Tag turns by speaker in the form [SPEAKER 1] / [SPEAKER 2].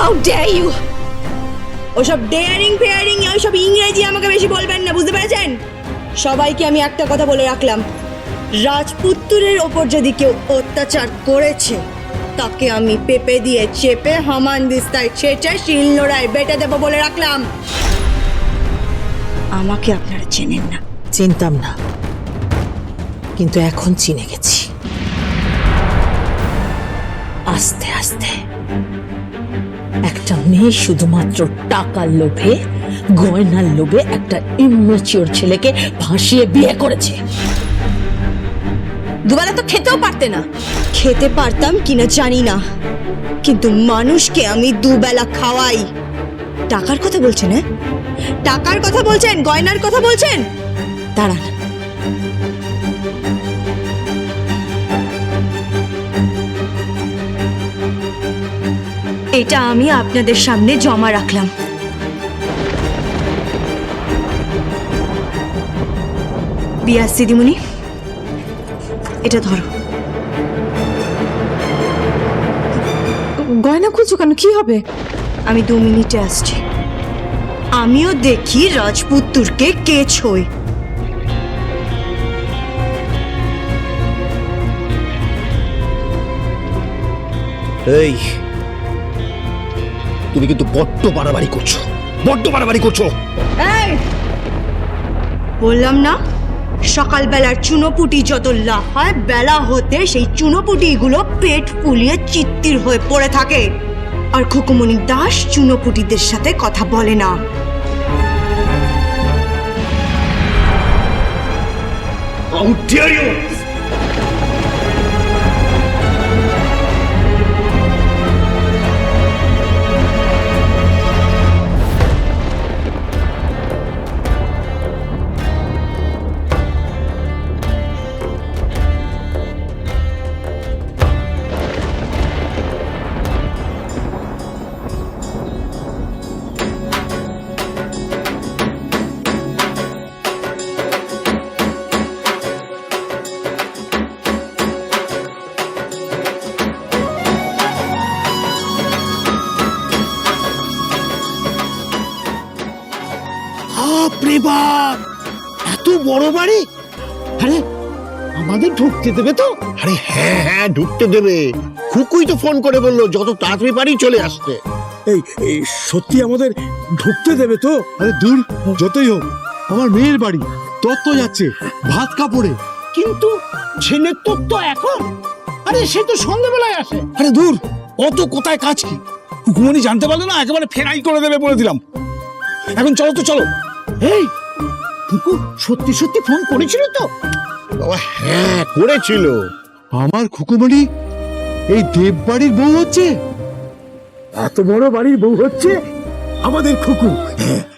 [SPEAKER 1] How dare you! ওসব daring faring ওইসব ইংরেজি আমাকে বেশি বলবেন না, বুঝতে পেরেছেন? সবাইকে আমি একটা কথা বলে রাখলাম, রাজপুত্রের ওপর যদি কেউ অত্যাচার করেছে তাকে আমি পেপে দিয়ে চেপে হামান দিস্তায় ছেঁচে শিলনোড়ায় বেটে দেবো বলে রাখলাম। আমাকে আপনারা চেনেন না।
[SPEAKER 2] চিনতাম না, কিন্তু এখন চিনে গেছি। আস্তে আস্তে একটা মেয়ে শুধুমাত্র টাকার লোভে, গয়নার লোভে একটা ইম্যাচিওর ছেলেকে ভাসিয়ে বিয়ে করেছে। দুবেলা তো খেতেও পারতে না।
[SPEAKER 1] খেতে পারতাম কিনা জানি না, কিন্তু মানুষকে আমি দুবেলা খাওয়াই। টাকার কথা বলছেন? হ্যাঁ, টাকার কথা বলছেন, গয়নার কথা বলছেন? দাঁড়ান, এটা আমি আপনাদের সামনে জমা রাখলাম। বিয়াস দিদিমণি, এটা ধরো।
[SPEAKER 3] গয়না খুঁজছো কেন? কি হবে?
[SPEAKER 1] আমি 2 মিনিটে আসছি। আমিও দেখি রাজপুত্রকে কে ছোয়।
[SPEAKER 4] এই, তুমি কিন্তু বড্ড বাড়াবাড়ি করছো, বড্ড বাড়াবাড়ি করছো।
[SPEAKER 1] এই, বললাম না সকালবেলার চুনোপুটি যত লাফায়, বেলা হতে সেই চুনোপুটিগুলো পেট ফুলিয়ে চিত্তির হয়ে পড়ে থাকে। আর খুকুমণি দাস চুনোপুটিদের সাথে কথা বলে না।
[SPEAKER 4] How dare you! বাপরে বাপ, এত বড় বাড়ি! আরে আমাদের ঢুকতে দেবে তো? আরে হ্যাঁ হ্যাঁ, ঢুকতে দেবে। খুকুই তো ফোন করে বললো যত তাড়াতাড়ি পারি চলে আসতে।
[SPEAKER 5] এই সত্যি আমাদের ঢুকতে দেবে তো? আরে দূর, যতই হোক আমার মেয়ের বাড়ি, তত্ত্ব যাচ্ছে ভাত কাপড়ে।
[SPEAKER 4] কিন্তু ছেলের তো এখন, আরে সে তো সন্ধ্যাবেলায় আসে।
[SPEAKER 5] আরে দূর, অত কোথায় কাজ কি? হুকুমনি জানতে পারলে না একেবারে ফেরাই করে দেবে বলে দিলাম। এখন চলো তো, চলো।
[SPEAKER 4] এই খুকু সত্যি সত্যি ফোন করেছিল তো? বাবা হ্যাঁ করেছিল।
[SPEAKER 5] আমার খুকুমণি এই দেব বাড়ির বউ হচ্ছে, এত বড় বাড়ির বউ হচ্ছে আমাদের খুকু।